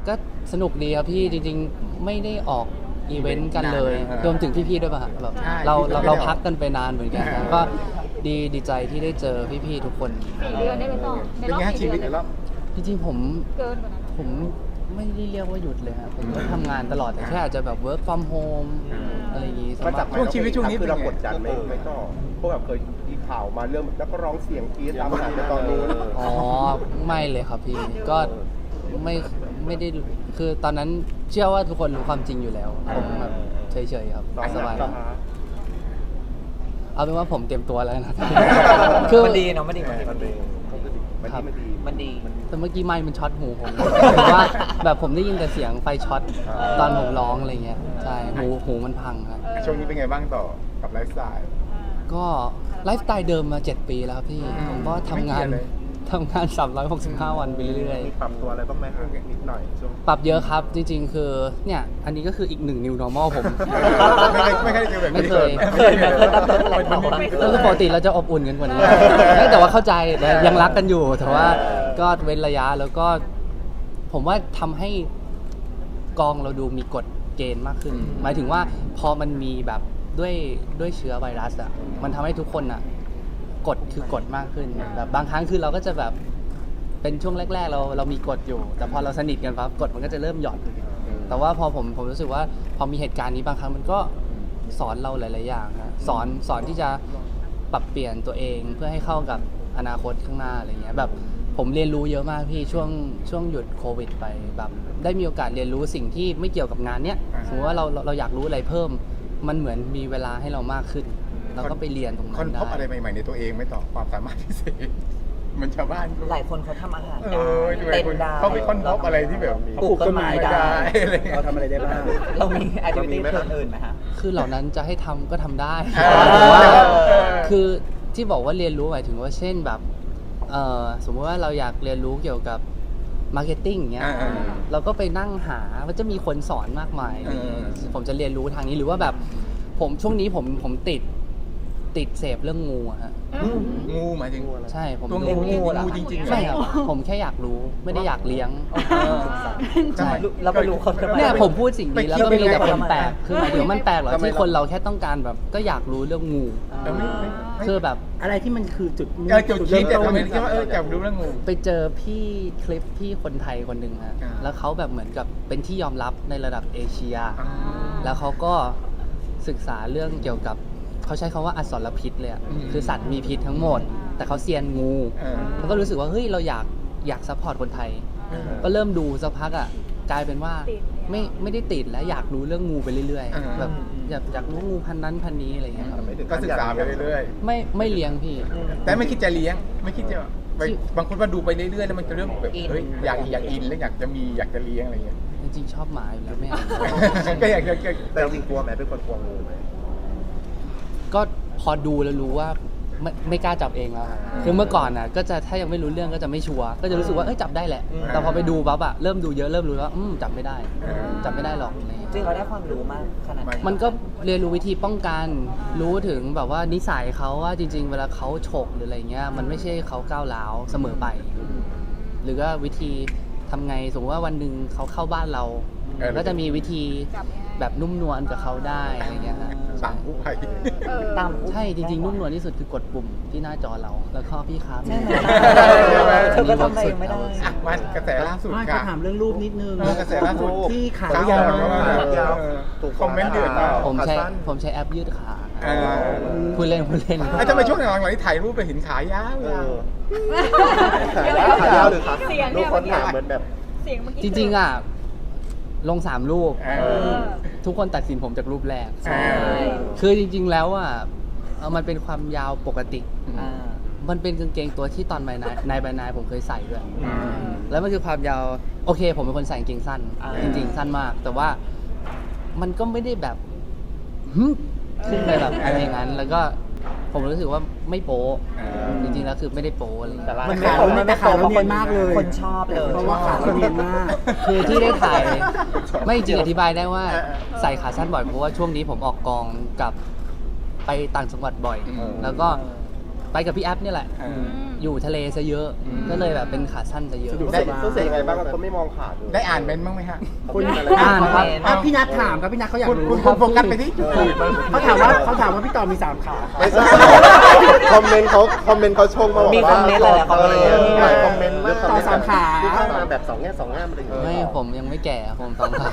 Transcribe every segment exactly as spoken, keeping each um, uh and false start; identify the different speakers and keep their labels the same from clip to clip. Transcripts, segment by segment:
Speaker 1: ก็สนุกดีครับพี่จริงๆไม่ได้ออกอีเวนต์กันเลยรวมถึงพี่ๆด้วยป่ะฮะแบบเราเราเราพักกันไปนานเหมือนกันนะก็ดีดีใจที่ได้เจอพี่ๆทุกคน
Speaker 2: สี่เดือนได้ไหมต่อใน
Speaker 3: เป็น
Speaker 2: รอบ
Speaker 3: ไงฮะชี
Speaker 2: สี่
Speaker 3: วิต
Speaker 2: เดื
Speaker 3: ใน
Speaker 2: อน
Speaker 3: รอบ
Speaker 1: จริงๆผม
Speaker 2: เกินกว่านั้น
Speaker 1: ผมไม่ได้เรียกว่าหยุดเลยครับผมก็ทำงานตลอดแต่แค่อาจจะแบบ work from home อะไรอย่างงี้ซะ
Speaker 4: มาจาก
Speaker 1: มากก
Speaker 3: ช่ว
Speaker 1: ว่าง
Speaker 3: ชีวิตช่วงนี้
Speaker 4: คือเรา
Speaker 3: เป็นไง
Speaker 4: กดดันไหมไม่ก็พวกแบบเคยมีข่าวมาเรื่องนักร้องเสียงกรี๊ดตามหาในตอนนู้น
Speaker 1: อ๋อไม่เลยครับพี่ก็ไม่ไม่ได้คือตอนนั้นเชื่อว่าทุกคนรู้ความจริงอยู่แล้วผมแบบเฉยๆครับสบายเอาเป็นว่าผมเตรียมตัวแล้วนะคือ
Speaker 5: มันดีเนาะมันดีมันดี
Speaker 4: มันดีมันดีมันดี
Speaker 5: มันดี
Speaker 1: แต่เมื่อกี้ไมค์มันช็อตหูผมหรือว่าแบบผมได้ยินแต่เสียงไฟช็อตตอนผมร้องอะไรเงี้ยใช่หูหูมันพังครับ
Speaker 3: ช่วงนี้เป็นไงบ้างต่อกับไลฟ์สไตล์
Speaker 1: ก็ไลฟ์สไตล์เดิมมาเจ็ดปีแล้วครับพี่
Speaker 3: อืม
Speaker 1: ผมก็ทำงาน
Speaker 3: ไม่เปลี่ยนเลย
Speaker 1: ทำงานสามร้อยหกสิบห้าวันไปเรื่อย
Speaker 4: มีปรับตัวอะไรบ้างไหมนิดหน่อยช่วง
Speaker 1: ๆ ปรับเยอะครับจริงๆ คือเนี่ยอันนี้ก็คืออีกหนึ่ง new normal ผม
Speaker 3: ไม่เคยไม่เคยเจอแบบนี้
Speaker 1: ไม่เคย
Speaker 5: เคยนะเคยรับตัวแถลงข่าวของเรา
Speaker 1: ก็คือปกติเราจะอบอุ่นกันกว่านี้ไม่แต่ว่าเข้าใจแต่ยังรักกันอยู่ แต่ว่าก็เว้นระยะแล้วก็ ผมว่าทำให้กองเราดูมีกฎเกณฑ์มากขึ้น หมายถึงว่าพอมันมีแบบด้วยด้วยเชื้อไวรัสอ่ะมันทำให้ทุกคนอ่ะกฎคือกฎมากขึ้นแบบบางครั้งคือเราก็จะแบบเป็นช่วงแรก ๆ เราเรามีกฎอยู่ แต่พอเราสนิทกันปั๊บกฎมันก็จะเริ่มหย่อน แต่ว่าพอผมผมรู้สึกว่าพอมีเหตุการณ์นี้บางครั้งมันก็สอนเราหลายๆอย่างฮะสอนสอนที่จะปรับเปลี่ยนตัวเองเพื่อให้เข้ากับอนาคตข้างหน้าอะไรเงี้ยแบบผมเรียนรู้เยอะมากพี่ช่วงช่วงหยุดโควิดไปแบบได้มีโอกาสเรียนรู้สิ่งที่ไม่เกี่ยวกับงานเนี้ยสมมติว่าเราเราเราอยากรู้อะไรเพิ่ม มันเหมือนมีเวลาให้เรามากขึ้น เราก็ไปเรียนตรงนั้
Speaker 3: ค้น
Speaker 1: น
Speaker 3: พบอะไร
Speaker 1: ได้
Speaker 3: ใหม่ๆในตัวเองไหม่ต่อความสามารถพิเศษมันชาวบ้าน
Speaker 5: หลายคนเขาทำอาหาร
Speaker 3: เอ
Speaker 5: ได้
Speaker 3: อดู
Speaker 5: เต้นได้
Speaker 3: เขาไปค้นพบอะไรที่แบบ
Speaker 5: ปลูกต้นไม้ได้
Speaker 3: อะไรเงี้ย
Speaker 4: เราทำอะไรได้บ้าง
Speaker 5: เรามีแอคทิวิตี้อื่นๆไหมฮะ
Speaker 1: คือเหล่านั้นจะให้ทำก็ทำได้
Speaker 3: เออ
Speaker 1: แต่ว่า
Speaker 3: เออ
Speaker 1: คือที่บอกว่าเรียนรู้หมายถึงว่าเช่นแบบเอ่อสมมติว่าเราอยากเรียนรู้เกี่ยวกับมาร์เก็ตติ้งเงี้ย
Speaker 3: อ่าๆ
Speaker 1: เราก็ไปนั่งหามันจะมีคนสอนมากมาย
Speaker 3: เออ
Speaker 1: ผมจะเรียนรู้ทางนี้หรือว่าแบบผมช่วงนี้ผมผมติดติดเสพเรื่องงูอะฮะ
Speaker 3: งูหมายถึง
Speaker 1: ใช่ผม
Speaker 3: ตัว
Speaker 1: ดู
Speaker 3: งู
Speaker 5: งูเหรอ
Speaker 3: งูจริงๆเหรอ
Speaker 1: ใช่ครับผมแค่อยากรู้ไม่ได้อยากเลี้ยง ใช่
Speaker 5: เราไปรู้คนกันมา
Speaker 1: เนี่ยผมพูดสิ่งนี้แล้วก็มีแต่คนแปลก
Speaker 5: ไปเที่ยว
Speaker 1: คือหมายถึงว่ามันแปลกเหรอ
Speaker 4: ทำไม
Speaker 1: ที่คนเราแค่ต้องการแบบก็อยากรู้เรื่องงู
Speaker 3: เออไม่ไม่ไม่
Speaker 1: คือแบบ
Speaker 6: อะไรที่มันคือจุด
Speaker 3: เออจุดคิด
Speaker 6: เริ่
Speaker 3: แต่
Speaker 6: มต้
Speaker 3: ทำไม
Speaker 6: น
Speaker 3: คิดว่าเออจะรู้เรื่องงู
Speaker 1: ไปเจอพี่คลิปพี่คนไทยคนหนึ่งฮะ
Speaker 3: อ่า
Speaker 1: แล้วเขาแบบเหมือนกับเป็นที่ยอมรับในระดับเอเชีย
Speaker 3: อ่า
Speaker 1: แล้วเขาก็ศึกษาเรื่องเกี่ยวกับเขาใช้คำว่าอสรพิษเลยอะ
Speaker 3: อืม
Speaker 1: คือสัตว์มีพิษทั้งหมด แต่เขาเซียนงู
Speaker 3: เออ
Speaker 1: เขาก็รู้สึกว่าเฮ้ยเราอยากอยากซัพพอร์ตคนไทย
Speaker 3: เออ
Speaker 1: ก็เริ่มดูสักพักอ่ะกลายเป็นว่าไม่ไม่ได้ติดแล้วอยากรู้เรื่องงูไปเรื่อย
Speaker 3: อ่า
Speaker 1: ๆแบบอยากอยากรู้งูพันนั้นพันนี้อะไรอย่างเงี้ยครับ
Speaker 4: ไม่ถึง
Speaker 3: ก็ศึกษาไปเรื่อย
Speaker 1: ไม่ไม่เลี้ยงพี่
Speaker 3: ๆ แต่ไม่คิดจะเลี้ยง ไม่คิดจะไปบางคนว่าดูไปเรื่อยๆแล้วมันจะเริ่มแบบเฮ้ยอยากอยากอินแล้วอยากจะมีอยากจะเลี้ยงอะไรอย่างเงี้ย
Speaker 1: จริงๆชอบหมาอยู่แล้วไม่เอา
Speaker 3: ก็อยากจะ
Speaker 4: แต่จริงๆกลัวไหมเป็นคนกลัวงูไหม
Speaker 1: ก็พอดูแล้วรู้ว่าไม่ไม่กล้าจับเองแล้วคือเมื่อก่อนน่ะก็จะถ้ายังไม่รู้เรื่องก็จะไม่ชัวร์ก็จะรู้สึกว่าเอ้ยจับได้แหละ แต่พอไปดูปั๊บอะเริ่มดูเยอะเริ่มรู้ว่าอืมจับไม่ได้ จับไม่ได้หรอกอะไรอย่างเงี้ย
Speaker 5: จริงเราได้ความรู้มากขนาดไหน
Speaker 1: มันก็เรียนรู้วิธีป้องกัน รู้ถึงแบบว่านิสัยเขาว่าจริง ๆ เวลาเขาฉกหรืออะไรเงี้ย มันไม่ใช่เขาก้าวร้าวเสมอไป หรือว่าวิธีทำไงสมมติว่าวันหนึ่งเขาเข้าบ้านเรา
Speaker 3: เออ
Speaker 1: ก็จะมีวิธี
Speaker 2: จับยังไง
Speaker 1: แบบนุ่มนวลกับเขาได้อะไรเงี้ยฮะ
Speaker 3: สั่งกู้ภัย
Speaker 2: เออ
Speaker 5: ตาม
Speaker 1: ใช่จริงๆนุ่มนวลที่สุดคือกดปุ่มที่หน้าจอเรา แล้วก็พี่ครับ
Speaker 5: ใช่ไหม
Speaker 3: ใช่ไหม
Speaker 5: เธอก็ทำอะไรไม่ได้
Speaker 3: อ่ะมันกระแสล่าสุด
Speaker 6: ไม่
Speaker 3: ค่ะ
Speaker 6: ก็ถามเรื่องรูปนิดนึง
Speaker 3: เออกระแสล่าสุด
Speaker 6: ที่ขา
Speaker 3: ข
Speaker 6: ยาว
Speaker 3: ข
Speaker 6: มาก
Speaker 4: ยาว
Speaker 3: คอมเมนต์เดือดมาก
Speaker 1: ผมใช้
Speaker 4: ขาสั้น
Speaker 1: ผมใช้แอปยืดขา
Speaker 3: เออ
Speaker 1: พูดเล่นพูดเล่น
Speaker 3: ไอ้ทำไมช่วงหลังๆนี่ถ่ายรูปไปเห็นขายาว
Speaker 4: เอ
Speaker 3: ๆ
Speaker 4: อขายาวหรือขา
Speaker 2: เสียง
Speaker 4: ลู
Speaker 2: เนี่
Speaker 4: ก
Speaker 2: ย
Speaker 4: คนถามเหมือนแบบ
Speaker 2: เสียงเมื่อกี้
Speaker 1: จริงๆอ่ะลงสามรูป
Speaker 3: เอ
Speaker 2: เอ
Speaker 3: อ
Speaker 2: อ
Speaker 1: ทุกคนตัดสินผมจากรูปแรก
Speaker 3: ใช่
Speaker 1: คือจริง ๆ แล้วอ่ะเอ่อมันเป็นความยาวปกติ
Speaker 5: อ่า
Speaker 1: มันเป็นกางเกงตัวที่ตอนใบนายนายใบนายผมเคยใส่ด้วย แล้วมันคือความยาว โอเค ผมเป็นคนใส่กางเกงสั้น
Speaker 5: อ่า
Speaker 1: จริงๆ สั้นมาก แต่ว่ามันก็ไม่ได้แบบฮึขึ้นไปแบบอะไรอย่างนั้น แล้วก็ผมรู้สึกว่าไม่โป๊ะ
Speaker 3: อ่า
Speaker 1: จริงๆ แล้วคือไม่ได้โป๊ะอะไรอย่างเงี้ย
Speaker 6: มันไม่เอาไม่แต่ขาเราเนียนมากเลย
Speaker 5: คนชอบเลย
Speaker 6: เพราะว่าขาเราเนียนมาก
Speaker 1: คือที่ได้ถ่าย ไม่จริงอธิบายได้ว่าใส่ขาสั้นบ่อยเพราะว่าช่วงนี้ผมออกกองกับไปต่างจังหวัดบ่อย
Speaker 3: อืม
Speaker 1: แล้วก็ไปกับพี่แอฟเนี่ยแหละ
Speaker 3: เออ
Speaker 1: อยู่ทะเลซะเยอะ
Speaker 3: อืม
Speaker 1: ก็เลยแบบเป็นขาสั้นซะเยอะ
Speaker 6: สะดวก
Speaker 4: ได้รู้สึกยังไงบ้างคนไม่มองขาดเลย
Speaker 3: ได้อ่านเมนต์บ้างไหมฮะ
Speaker 6: คุณ
Speaker 1: อ่านครับ
Speaker 6: อ่ะพี่นัทถามครับพี่นัทเขาอยาก
Speaker 3: คุณ
Speaker 6: รู้
Speaker 3: คุณคุณโฟกัสไปที่จุด
Speaker 4: เออ
Speaker 6: เขาถามว่าเขาถามว่าพี่ต่อมีสามขาครับ
Speaker 4: ไม่ใช่คอมเมนต์เขาคอมเมนต์เขาชงมาบอกว่า
Speaker 5: มีคอมเมนต์อะไรอะคอมเมนต์
Speaker 4: เออมีหลายคอมเมนต์มาก
Speaker 6: ต่อสามขา
Speaker 4: ที่เข้ามาแบบสองแง่สองงามอะไรอย่างเงี้ย
Speaker 1: ไม่ผมยังไม่แก่ผมสองขา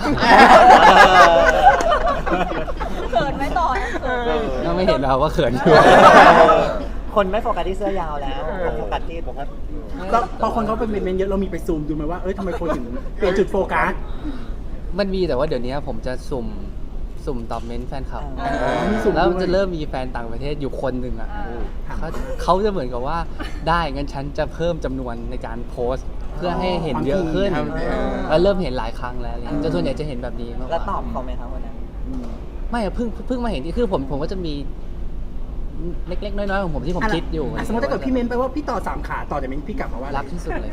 Speaker 2: เขินไหมต่อเขิน
Speaker 1: ก็ไม่เห็นเราว่าเขินอยู่
Speaker 5: คนไม่โฟกัสที่เสื้อยาวแล้วโฟกัสที่โฟกัส
Speaker 6: แล้วพอคนเขาเป็นเมนต์เยอะเรามีไปซูมดูไหมว่าเอ้ยทำไมคนถึงเปลี่ยนจุดโฟกัส
Speaker 1: มันมีแต่ว่าเดี๋ยวนี้ผมจะสุ่มสุ่มตอบเมนต์แฟนคลับ
Speaker 5: อ่า
Speaker 6: มีสุ่ม
Speaker 1: แล้ว
Speaker 6: ด้วย
Speaker 1: จะเริ่มมีแฟนต่างประเทศอยู่คนหนึ่งอ่ะ
Speaker 2: อ่า
Speaker 1: เขาเขาจะเหมือนกับว่าได้งั้นฉันจะเพิ่มจำนวนในการโพสต์ เพื่อให้เห็นเยอะขึ้น
Speaker 3: ความถี่
Speaker 1: แล้วเริ่มเห็นหลายครั้งแล้วอะไรอย่างเงี้ยจะส่วนใหญ่จะเห็นแบบนี้มากก
Speaker 5: แล้ว
Speaker 1: ว่า
Speaker 5: ตอบเขาไหมครับวันนั้น
Speaker 1: ไม่อะเพิ่งเพิ่งมาเห็นที่คือผมผมก็จะมีเล็กๆน้อยๆของผมที่ผมคิดอยู่
Speaker 6: ะสมมติถ้าเกิดพี่เมนต์ไปว่าพี่ต่อสามขาต่อจากเมนต์พี่กลับมาว่า
Speaker 1: รั
Speaker 6: รั
Speaker 1: กที่สุดเลย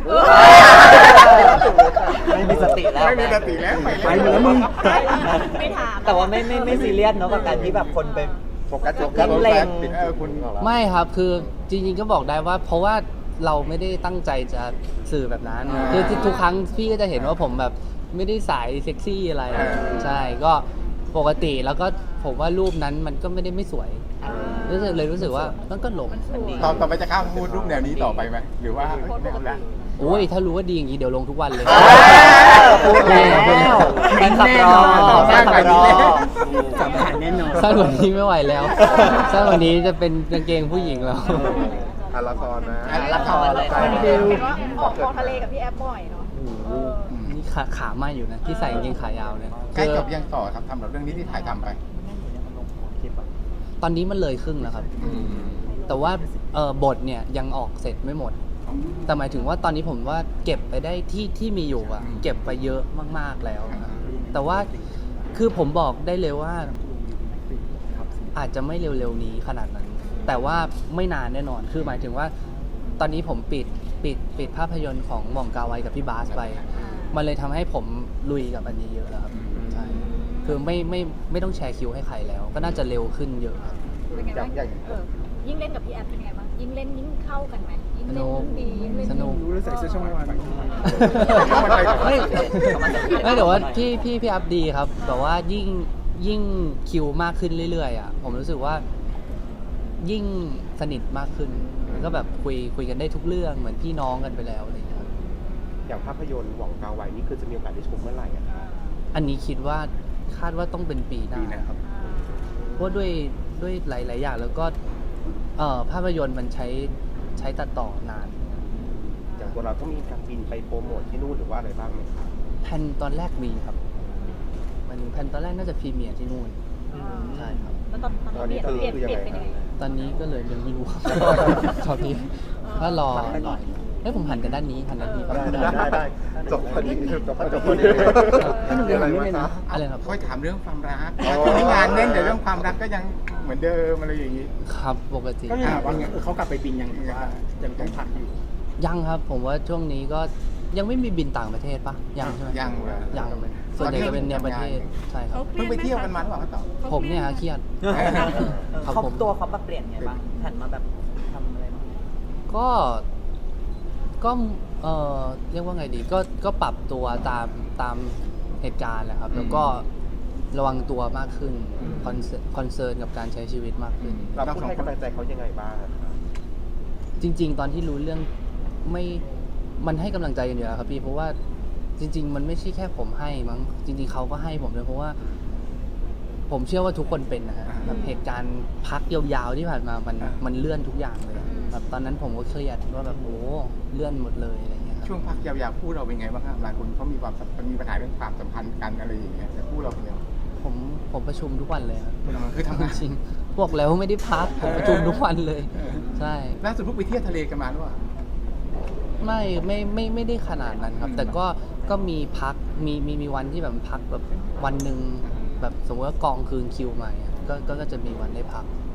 Speaker 5: ไม่มีสติแล้ว
Speaker 3: ไม่มีสติแล้ว
Speaker 6: ไปหมดแล้วมึง
Speaker 2: ไม่ถาม
Speaker 5: แต่ว่าไม่ไม่ไม่ซีเรียสเนาะกับการที่แบบคนไป
Speaker 4: โฟกัสโฟกัส
Speaker 5: เล็ง
Speaker 4: ปิด
Speaker 3: เออคุณ
Speaker 1: ไม่ครับคือจริงๆก็บอกได้ว่า เพราะว่าเราไม่ได้ตั้งใจจะสื่อแบบนั้น
Speaker 3: อ่า
Speaker 1: คือที่ทุกครั้งพี่ก็จะเห็นว่าผมแบบไม่ได้สายเซ็กซี่อะไร
Speaker 3: อ่า
Speaker 1: ใช่ก็ปกติแล้วก็ผมว่ารูปนั้นมันก็ไม่ได้ไม่สวยรู้สึกเลยรู้สึกว่ามันก็หลง
Speaker 3: ต่อต่อไปจะข้ามพูดรูปแนวนี้ต่อไปไหมหรือว่าไม่เอาละ
Speaker 1: โอ้ยถ้ารู้ว่าดีอย่างนี้เดี๋ยวลงทุกวันเลย
Speaker 5: พูดแล้วแฟนคลับรอแฟนคลับรอ
Speaker 6: สามขาแน่นอน
Speaker 1: สั้นกว่านี้ไม่ไหวแล้วสั้นกว่านี้จะเป็นกางเกงผู้หญิงแล้ว
Speaker 4: อ่ะละครนะ
Speaker 3: อ่ะ
Speaker 5: ละครเลย
Speaker 4: ใช่
Speaker 6: เร็ว
Speaker 2: เห็นว่าออกกองทะเลกับพี่แอฟบ่อยเนาะเออ
Speaker 1: นี่ขาขาไหมอยู่นะที่ใส่กางเกงขายาวเนี่ย
Speaker 3: ใกล้จบ
Speaker 1: คือ
Speaker 3: ยังต่อครับทำแบบเรื่องนี้ที่ถ่ายทำไป
Speaker 1: ตอนนี้มันเลยครึ่งแล้วครับ แต่ว่าเออบทเนี่ยยังออกเสร็จไม่หมด แต่หมายถึงว่าตอนนี้ผมว่าเก็บไปได้ที่ที่มีอยู่อะ
Speaker 3: อืม
Speaker 1: เก็บไปเยอะมากๆแล้วนะแต่ว่าคือผมบอกได้เลยว่า อาจจะไม่เร็วๆนี้ขนาดนั้น แต่ว่าไม่นานแน่นอน คือหมายถึงว่า ตอนนี้ผมปิดปิดปิดภาพยนตร์ของหม่องกาไวกับพี่บาสไป มันเลยทำให้ผมลุยกับอันนี้เยอะแล้วครับใช่คือไม่ไม่ไม่ต้องแชร์คิวให้ใครแล้ว ก็น่าจะเร็วขึ้นเยอะครับ
Speaker 2: เป็นไงบ้าง
Speaker 4: อย่าง
Speaker 2: เออยิ่งเล่นกับพี่แอฟเป็นไงบ้างยิ่งเล่นยิ่งเข้ากันไหมยิ่งเล่น
Speaker 1: สนุก
Speaker 2: ยิ่งดียิ่งเล่น
Speaker 1: สนุก
Speaker 6: รู้แล้วใส่เสื้อช่องวัน
Speaker 1: ไม่ไม่แต่ว่าพี่พี่พี่อัพดีครับแต่ว่ายิ่งยิ่งคิวมากขึ้นเรื่อยๆอ่ะผมรู้สึกว่ายิ่งสนิทมากขึ้นแล้วก็แบบคุยคุยกันได้ทุกเรื่องเหมือนพี่น้องกันไปแล้วอะไรอย่างเงี้ยครับ
Speaker 4: อย่างภาพยนตร์หวังกาไวนี่คือจะมีโอกาสได้ชมเมื่อไหร่อะคะ
Speaker 1: อันนี้คิดว่าคาดว่าต้องเป็นปีหน้า
Speaker 3: ปีหน้าครับ
Speaker 1: เพราะด้วยด้วยหลายๆอย่างแล้วก็เอ่อภาพยนตร์มันใช้ใช้ตัดต่อนาน
Speaker 4: อย่างตัวเราต้องมีการบินไปโปรโมทที่นู่นหรือว่าอะไรบ้างไหมคะ
Speaker 1: แผนตอนแรกมีครับมันแผนตอนแรกน่าจะพรีเมียร์ที่นู่น
Speaker 2: อ่า
Speaker 1: ใช่ครับ
Speaker 2: แล้วตอนตอนนี้เปลี่ยนเปลี่ยนเปลี่ยนเป็นยังไง
Speaker 1: ตอนนี้ก็เลยยังไม่รู้ครับ ชอบนี้ถ้ารอหน่อยเฮ้ยผมหันกันด้านนี้หันด้านนี้
Speaker 4: ได้ได้ได้จบพอดีจบพอดีจบพอดี
Speaker 6: ให้หนูเรียนแบบนี้เลยนะ
Speaker 1: อะไรครับ
Speaker 3: ค่อยถามเรื่องความรัก
Speaker 4: อ๋อ
Speaker 3: ช่วงนี้งานเน้นแต่เรื่องความรักก็ยังเหมือนเดิมอะไรอย่างนี้
Speaker 1: ครับปกติ
Speaker 6: ก็เลยถามว่าเออเขากลับไปบินยังหรือว่ายังต้องพักอยู่
Speaker 1: ยังครับ ผมว่าช่วงนี้ก็ยังไม่มีบินต่างประเทศปะยังใช่ไหม
Speaker 3: ยังเลย
Speaker 1: ยังส่วนใหญ่จะเป็นในประเทศใช่ครับ
Speaker 3: เพิ่งไปเที่ยวกันมาหรือเปล่าครับต่อ
Speaker 1: ผมเนี่ยฮะเครียด ครับ
Speaker 5: เขา
Speaker 1: ผม
Speaker 5: ตัวเขาปรับเปลี่ยนไงบ้างหันมาแบบทำอะไรบ้าง
Speaker 1: ก็ก็เออเรียกว่าไงดีก็ก็ปรับตัวตามตามเหตุการณ์แหละครับ แล้วก็ระวังตัวมากขึ้นคอนเซิร์นคอนเซิร์นกับการใช้ชีวิตมากขึ้น
Speaker 4: เราพูดให้กำลังใจเขายังไงบ้างอะคะ
Speaker 1: จริง ๆ ตอนที่รู้เรื่องไม่มันให้กำลังใจกันอยู่แล้วครับพี่เพราะว่าจริง ๆ มันไม่ใช่แค่ผมให้มั้งจริง ๆเขาก็ให้ผมด้วยเพราะว่า ผมเชื่อว่าทุกคนเป็นนะฮะแบบเหตุการณ์พักยาวๆที่ผ่านมามันมันเลื่อนทุกอย่างเลยแบบตอนนั้นผมก็เครียดว่าแบบโอ้เลื่อนหมดเลยอะไรเงี้ยครับ
Speaker 3: ช่วงพักยาวๆคู่เราเป็นไงบ้างครับหลายคนเขามีความสัมพันธ์มีปัญหาเรื่องความสัมพันธ์กันอะไรอย่างเงี้ยแต่คู่เราเป็นยังไง
Speaker 1: ผมผมประชุมทุกวันเลยครับ
Speaker 3: คือทำงาน
Speaker 1: จริงๆบอกแล้วไม่ได้พักผมประชุมทุกวันเลย ใช่
Speaker 3: ล่าสุดเพิ่งไปเที่ยวทะเลกันมาหรือเปล่า
Speaker 1: ไม่ไม่ไม่ไม่ได้ขนาดนั้นครับ
Speaker 3: อืม
Speaker 1: แต่ก็ก็มีพักมีมีมีวันที่แบบพักแบบวันหนึ่งแบบสมมติว่ากองคืนคิวมาอ่ะก็ก็ก็จะมีวันได้พัก
Speaker 3: อ